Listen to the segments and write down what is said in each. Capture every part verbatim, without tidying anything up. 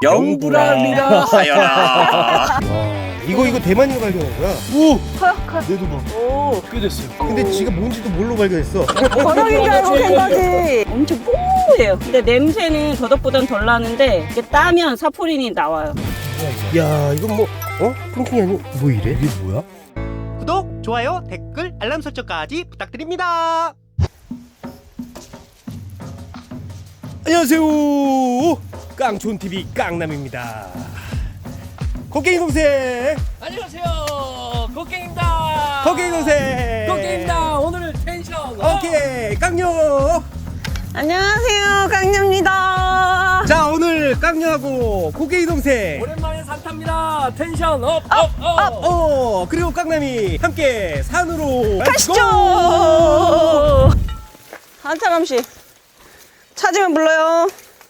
영불알이라 하여라. 와, 이거 이거 대만이가 발견한 거야. 오, 커요, 커요. 내도 봐. 오. 꽤 됐어요. 근데 지가 뭔지도 모르고 발견했어. 더덕인 줄 알고 캔 거지. 엄청 뽀해요. 근데 냄새는 더덕보단 덜 나는데 이게 따면 사포린이 나와요. 야, 이건 뭐 어? 콩킹이 아니고 뭐 이래? 이게 뭐야? 구독, 좋아요, 댓글, 알람 설정까지 부탁드립니다. 안녕하세요. 깡촌티비 깡남입니다. 코끼리 동생. 안녕하세요. 곡괭입니다. 코끼리 동생. 곡괭입니다. 오늘은 텐션. 오케이, 깡녀. 안녕하세요, 강녀입니다. 자, 오늘 깡녀하고 코끼리 동생. 오랜만에 산탑니다. 텐션 업, 업, 업. 어, 그리고 깡남이 함께 산으로 가시죠. 한차람 씨, 찾으면 불러요.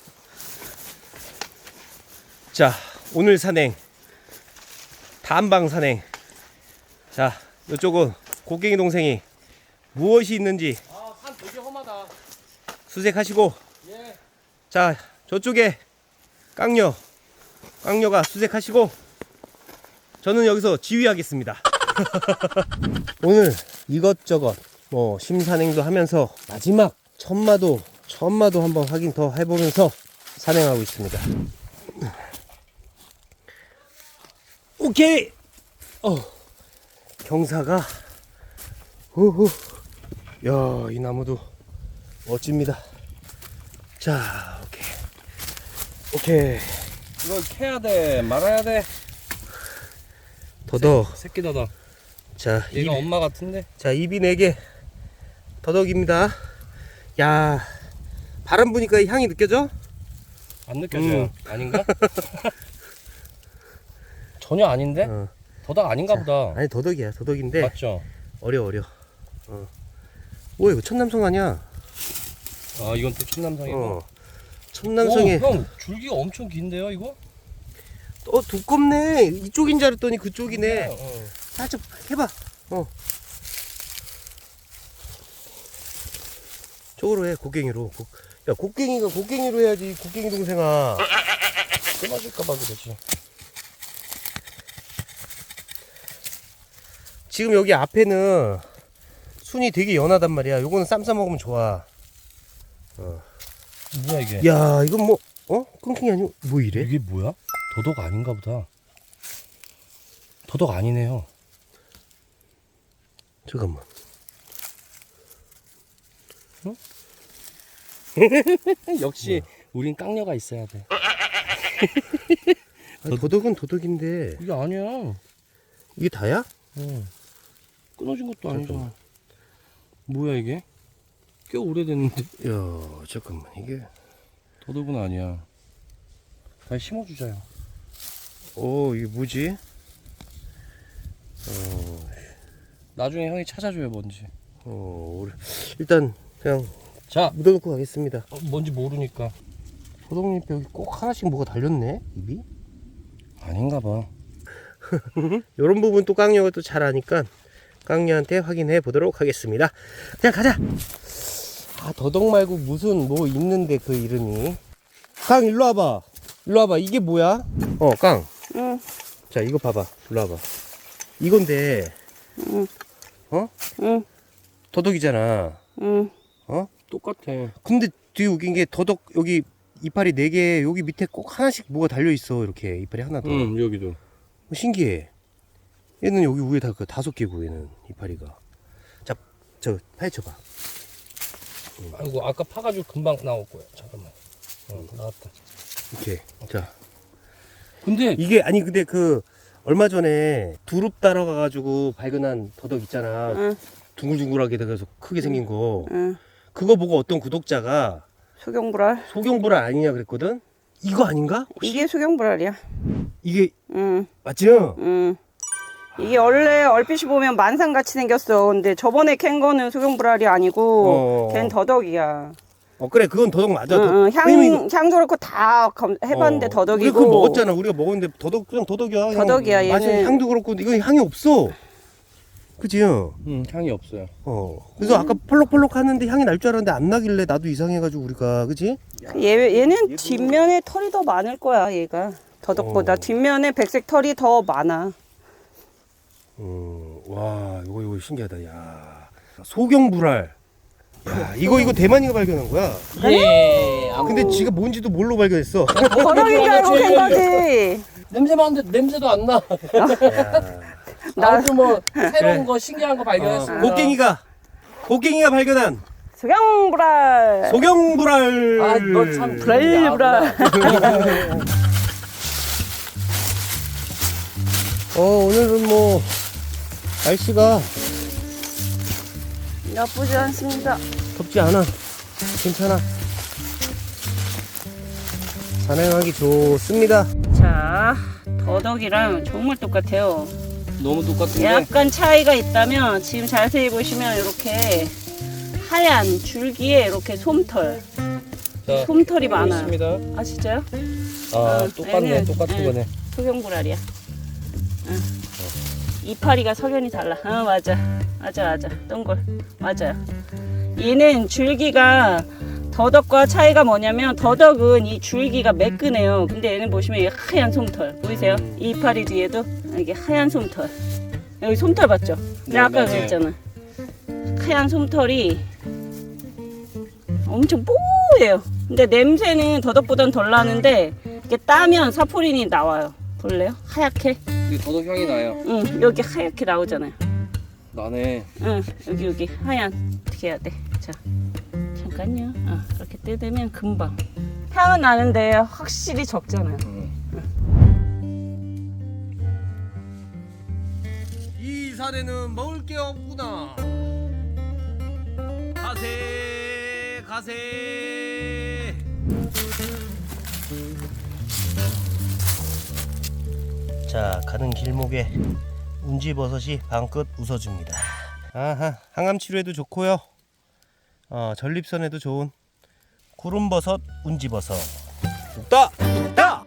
자, 오늘 산행 단방 산행. 자, 이쪽은 곡괭이 동생이 무엇이 있는지 아, 산 되게 험하다. 수색하시고, 예. 자, 저쪽에 깡녀 깡녀가 수색하시고, 저는 여기서 지휘하겠습니다. 오늘 이것저것 뭐 심산행도 하면서 마지막 천마도 천마도 한번 확인 더 해보면서 산행하고 있습니다. 오케이. 어, 경사가 후후. 야, 이 나무도 멋집니다. 자, 오케이 오케이. 이걸 캐야 돼, 말아야 돼. 더덕. 새끼 더덕. 자, 얘가 입, 엄마 같은데. 자, 입이 네 개. 더덕입니다. 야, 바람 부니까 향이 느껴져? 안 느껴져요. 음. 아닌가? 전혀 아닌데? 어. 더덕 아닌가 보다. 아니, 더덕이야. 더덕인데 맞죠? 어려 어려. 어. 오, 이거 천남성 아니야? 아, 이건 또 천남성이고. 어. 천남성에. 오, 형 줄기가 엄청 긴데요, 이거? 어, 두껍네. 이쪽인 줄 알았더니 그쪽이네. 어. 살짝 해봐. 어. 저거로 해, 곡괭이로. 곡... 야, 곡괭이가 곡괭이로 해야지, 곡괭이 동생아. 끊어질까봐 그러지. 지금 여기 앞에는 순이 되게 연하단 말이야. 요거는 쌈 싸 먹으면 좋아. 어. 뭐야 이게? 야, 이건 뭐, 어? 끊킹이 아니고, 뭐 이래? 이게 뭐야? 더덕 아닌가 보다. 더덕 아니네요. 잠깐만. 어? 역시 우린 깡녀가 있어야 돼. 아니, 도덕은 도덕인데, 이게 아니야. 이게 다야? 어. 끊어진 것도 아니잖아. 잠깐만. 뭐야 이게? 꽤 오래됐는데. 야, 잠깐만, 이게. 더덕은 아니야. 다시 심어주자요. 어, 이게 뭐지? 어, 나중에 형이 찾아줘요 뭔지. 어, 오래- 일단, 그냥 자, 묻어놓고 가겠습니다. 어, 뭔지 모르니까. 도덕잎 여기 꼭 하나씩 뭐가 달렸네, 입이? 아닌가 봐. 요런 부분 또 깡녀가 또 잘 아니까 깡녀한테 확인해 보도록 하겠습니다. 그냥 가자. 아, 더덕 말고 무슨 뭐 있는데 그 이름이. 깡, 일로 와봐. 일로 와봐. 이게 뭐야? 어, 깡. 응, 자, 이거 봐봐. 일로 와봐. 이건데, 응, 어? 응, 더덕이잖아. 응. 어? 똑같아. 근데 되게 웃긴 게 더덕 여기 이파리 네 개, 여기 밑에 꼭 하나씩 뭐가 달려 있어. 이렇게 이파리 하나 더. 응, 여기도. 어, 신기해. 얘는 여기 위에 다 그 다섯 개고, 얘는 이파리가. 자, 저 파헤쳐봐. 아이고 아까 파가지고 금방 나올 거야. 잠깐만. 어, 나왔다. 이렇게. 자, 근데 이게 아니 근데 그 얼마 전에 두릅 따러 가가지고 발견한 더덕 있잖아. 응. 둥글둥글하게 돼서 크게 생긴 거. 응. 그거 보고 어떤 구독자가 수경불알. 소경불알 아니냐 그랬거든. 이거 아닌가? 이게 수경불알이야. 이게 응, 맞죠? 응. 이게 원래 얼핏이 보면 만상같이 생겼어. 근데 저번에 캔 거는 수경불알이 아니고 어. 걘 더덕이야. 어, 그래, 그건 더덕 맞아. 응, 더- 응. 향, 왜냐면 이거- 향도 그렇고 다 검- 해봤는데 어, 더덕이고. 우리 그거 먹었잖아. 우리가 먹었는데 더덕 그냥 더덕이야. 향- 더덕이야, 맛이 얘는. 향도 그렇고 이건 향이 없어. 그지? 어. 음, 향이 없어요. 그래서 아까 펄럭펄럭 하는데 향이 날 줄 알았는데 안 나길래 나도 이상해가지고 우리가 그지? 얘, 얘는 뒷면에 털이 더 많을 거야, 얘가. 더덕보다 어. 뒷면에 백색 털이 더 많아. 음, 와 이거 이거 신기하다. 야 소경불알. 야 이거 이거 대만이가 발견한 거야. 예. 아, 근데 지가 뭔지도 뭘로 발견했어? 더덕인 줄 알고 캔 거지. 냄새 맡는데 냄새도 안 나. 나- 아주 뭐 새로운 거 신기한 거 발견했습니다. 곡괭이가 곡괭이가 발견한 소경불알. 소경불알. 아, 너 참 불알. 어 오늘은 뭐 날씨가 나쁘지 않습니다. 덥지 않아. 괜찮아. 산행하기 좋습니다. 자, 더덕이랑 정말 똑같아요. 너무 똑같은데. 약간 차이가 있다면 지금 자세히 보시면 이렇게 하얀 줄기에 이렇게 솜털, 자, 솜털이 많아요. 있습니다. 아 진짜요? 아, 어, 똑같네. 얘는, 똑같은 응. 거네. 소경불알이야. 응. 이파리가 석연이 달라. 어 맞아, 맞아, 맞아. 동글 맞아요. 얘는 줄기가 더덕과 차이가 뭐냐면 더덕은 이 줄기가 매끈해요. 근데 얘는 보시면 이 하얀 솜털 보이세요? 이 이파리 뒤에도 이게 하얀 솜털. 여기 솜털 봤죠? 네, 내가 아까 맞아요. 그랬잖아. 하얀 솜털이 엄청 뽀얘요. 근데 냄새는 더덕보단 덜 나는데 이렇게 따면 사포린이 나와요. 볼래요? 하얗게. 근데 더덕 향이 나요. 응, 여기 하얗게 나오잖아요. 나네. 응, 여기 여기 하얀. 어떻게 해야 돼? 자, 잠깐요. 어, 이렇게 뜯으면 금방. 향은 나는데 확실히 적잖아요. 이 산에는 먹을 게 없구나. 가세 가세. 자 가는 길목에 운지버섯이 방긋 웃어줍니다. 아하 항암 치료에도 좋고요. 어 전립선에도 좋은 구름버섯 운지버섯. 따 따.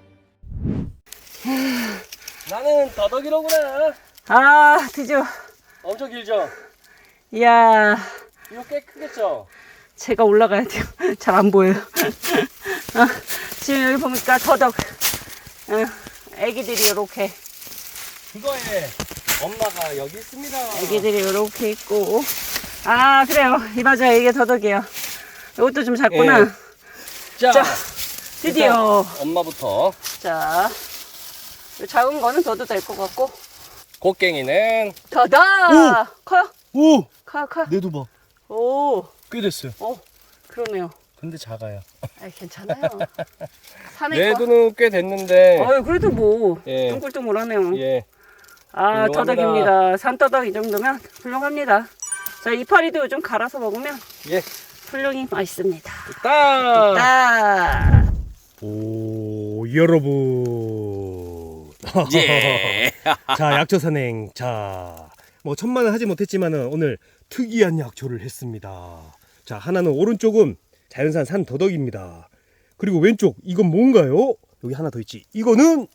나는 더덕이로구나. 아, 드디어. 엄청 길죠? 이야, 이거 꽤 크겠죠? 제가 올라가야 돼요. 잘 안 보여요. 아, 지금 여기 보니까 더덕. 어, 애기들이 이렇게. 그거에 엄마가 여기 있습니다. 애기들이 이렇게 있고. 아, 그래요. 이 맞아요. 이게 더덕이에요. 이것도 좀 작구나. 예. 자, 자, 드디어. 일단 엄마부터. 자, 이 작은 거는 더도 될 것 같고. 곡괭이는 더덕! 커요? 오 커요, 커요? 내도 봐. 오, 꽤 됐어요. 오, 그러네요. 근데 작아요. 아, 괜찮아요. 산에 내 거. 눈은 꽤 됐는데. 어유 그래도 뭐 예. 둥글둥글하네요. 예. 아, 훌륭합니다. 더덕입니다. 산더덕 이 정도면 훌륭합니다. 자, 이파리도 좀 갈아서 먹으면 예. 훌륭히 맛있습니다. 딱. 딱. 오 여러분. 예. 자 약초 산행. 자뭐 천만은 하지 못했지만은 오늘 특이한 약초를 했습니다. 자 하나는 오른쪽은 자연산 산더덕입니다. 그리고 왼쪽 이건 뭔가요? 여기 하나 더 있지. 이거는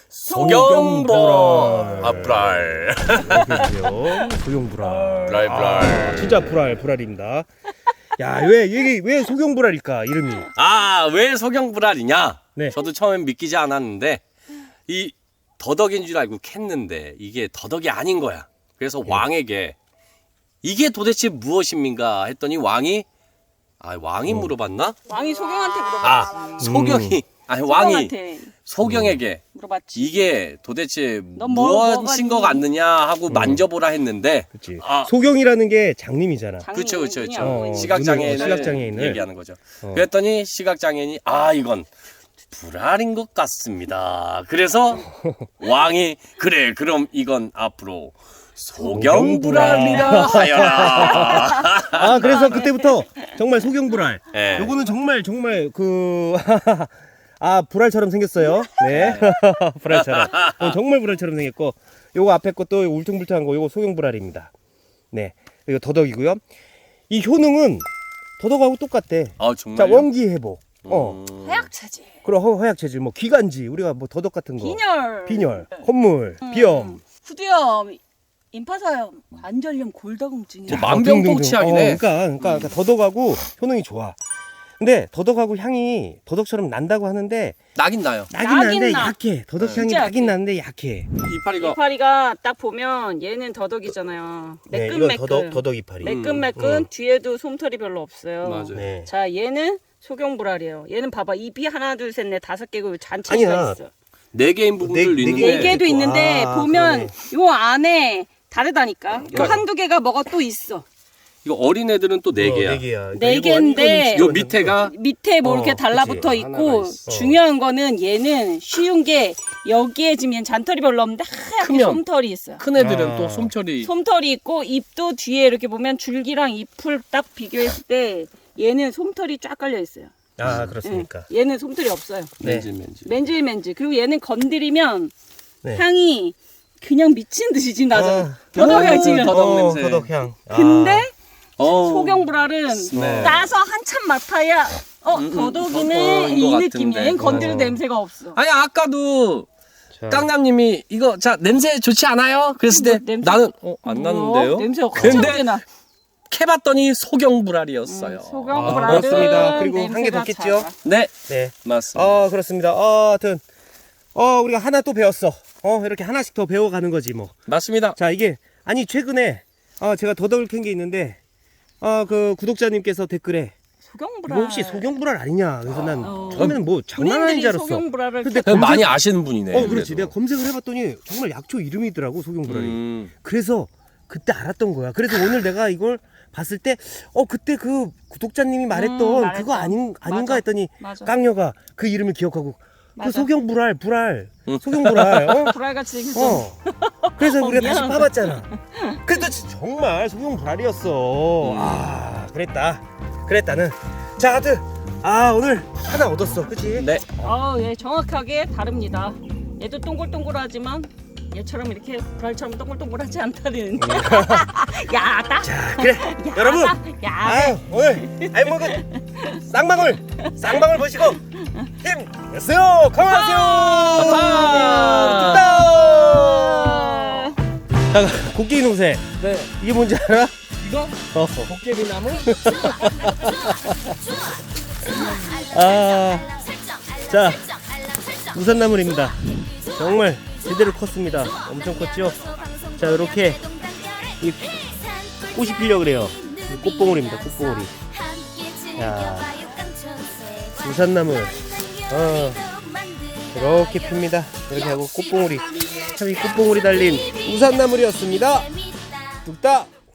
소경불알. 아, 불알. 소경불알. 소경불알. 불알, 불알. 아, 진짜 불알 불알입니다. 야왜 이게 왜 소경불알일까 이름이? 아, 왜 소경불알이냐? 네. 저도 처음엔 믿기지 않았는데 이 더덕인 줄 알고 캤는데 이게 더덕이 아닌 거야. 그래서 네. 왕에게 이게 도대체 무엇입니까? 했더니 왕이 아, 왕이 어. 물어봤나? 왕이 소경한테 물어봤지. 아, 소경이 아니 왕이 소경한테 소경에게 물어봤지. 이게 도대체 넌 뭐- 뭐가 무엇인 것 같느냐 하고 만져보라 했는데 그렇지. 아. 소경이라는 게 장님이잖아. 그렇죠, 그렇죠, 그렇죠. 어, 시각장애인을 시각장애인을. 얘기하는 거죠. 어. 그랬더니 시각장애인이 아 이건 불알인 것 같습니다. 그래서 왕이 그래 그럼 이건 앞으로 소경불알이라 하여라. 아 그래서 그때부터 정말 소경불알. 예. 요거는 정말 정말 그 아 불알처럼 생겼어요. 네, 불알처럼. 어, 정말 불알처럼 생겼고, 요거 앞에 것도 요거 울퉁불퉁한 거, 요거 소경불알입니다. 네, 이거 더덕이고요. 이 효능은 더덕하고 똑같대. 아 자 정말. 원기 회복. 어, 음. 해약체질, 그리고 허- 허약 체질, 뭐 기관지, 우리가 뭐 더덕 같은 거, 빈혈, 빈혈, 콧물, 비염. 후두염 임파서염, 관절염, 골다공증이. 뭐 만병통치약이네. 어, 그러니까, 그러니까, 그러니까 더덕하고 효능이 좋아. 근데 더덕하고 향이 더덕처럼 난다고 하는데 나긴 나요. 나긴 나긴 나는데 나. 약해. 더덕 향이 진짜 나긴 약해. 나는데 약해. 이파리가 이파리가 딱 보면 얘는 더덕이잖아요. 네, 이건 매끈매끈. 더덕 더덕 이파리. 매끈매끈. 음. 뒤에도 솜털이 별로 없어요. 맞아요. 네. 자, 얘는 소경불알이에요. 얘는 봐봐, 입이 하나, 둘, 셋, 넷, 다섯 개고 잔치가 아니야. 있어. 네 개인 부분들 네- 네 있는데 네 개도 있고. 있는데 아, 보면 그러네. 요 안에 다르다니까. 요 그러니까. 한두 개가 뭐가 또 있어. 이거 어린 애들은 또 네 어, 개야. 네 개야. 네 이거- 개인데 이건 요 밑에가 밑에 뭐 어, 이렇게 달라붙어 그치. 있고 하나가 있어. 중요한 거는 얘는 쉬운 게 여기에 지금 얘는 잔털이 별로 없는데 하얗게 크면. 솜털이 있어요. 큰 애들은 아. 또 솜털이 솜털이 있고 ip도 뒤에 이렇게 보면 줄기랑 잎을 딱 비교했을 때 얘는 솜털이 쫙 깔려 있어요. 아 그렇습니까? 예, 얘는 솜털이 없어요. 네. 맨질맨질. 맨질맨질. 그리고 얘는 건드리면 네. 향이 그냥 미친 듯이 지금 나잖아. 어. 더덕이야 오, 지금. 더덕 어, 냄새. 더덕 향. 근데 어. 소경불알은 네. 따서 한참 맡아야 어 음, 음, 더덕이네 어, 이 이거 느낌이야. 같은데. 얘는 건드려도 어. 냄새가 없어. 아니 아까도 자, 깡남님이 이거 자 냄새 좋지 않아요? 그랬을 때 뭐, 냄새- 나는 어, 안 났는데요. 어, 냄새가 근데 갑자기 나. 캐봤더니 소경불알이었어요. 음, 소경불알은 아, 그렇습니다. 그리고 한개 냄새가 더 겠죠? 작아. 네 네. 맞습니다. 어 그렇습니다. 어 하여튼 어 우리가 하나 또 배웠어. 어 이렇게 하나씩 더 배워가는 거지 뭐. 맞습니다. 자 이게 아니 최근에 어 제가 더덕을 캔 게 있는데 어 그 구독자님께서 댓글에 소경불알. 이거 혹시 소경불알 아니냐? 그래서 난 어. 처음에는 뭐 장난 아닌 줄 본인들이 알았어. 소경불알을 근데 캐- 많이 아시는 분이네. 어 그렇지. 그래도. 내가 검색을 해봤더니 정말 약초 이름이더라고 소경불알이. 음, 그래서 그때 알았던 거야. 그래서 오늘 내가 이걸 봤을 때 어 그때 그 구독자님이 말했던 음, 말했던. 그거 아닌 아닌가 맞아. 했더니 맞아. 깡녀가 그 이름을 기억하고 그 맞아. 소경불알 불알 음. 소경불알 어? 불알같이 생겼어. 어. 그래서 어, 우리가 다시 미안하다. 봐봤잖아. 그래도 진짜 정말 소경불알이었어. 음. 아 그랬다. 그랬다는. 자 하여튼 아 오늘 하나 얻었어. 그치? 네. 어, 예, 정확하게 다릅니다. 얘도 동글동글하지만 얘처럼 이렇게 불알처럼 동글동글하지 않다는. 야, 딱. 자 그래 야, 여러분 야, 아유 오늘 알먹은 쌍방울 쌍방울 보시고 힘내세요. 건강하세요. 아. 자 곡괭이 농세 네. 이게 뭔지 알아? 이거 어. 도깨비나무? 아, 자 우산나물입니다. 정말 제대로 컸습니다. 엄청 컸죠? 자 이렇게 이 꽃이 피려 그래요. 이 꽃봉오리입니다. 꽃봉오리. 야 우산나물 어 이렇게 핍니다. 이렇게 하고 꽃봉오리 참 이 꽃봉오리 달린 우산나물이었습니다. 뚝딱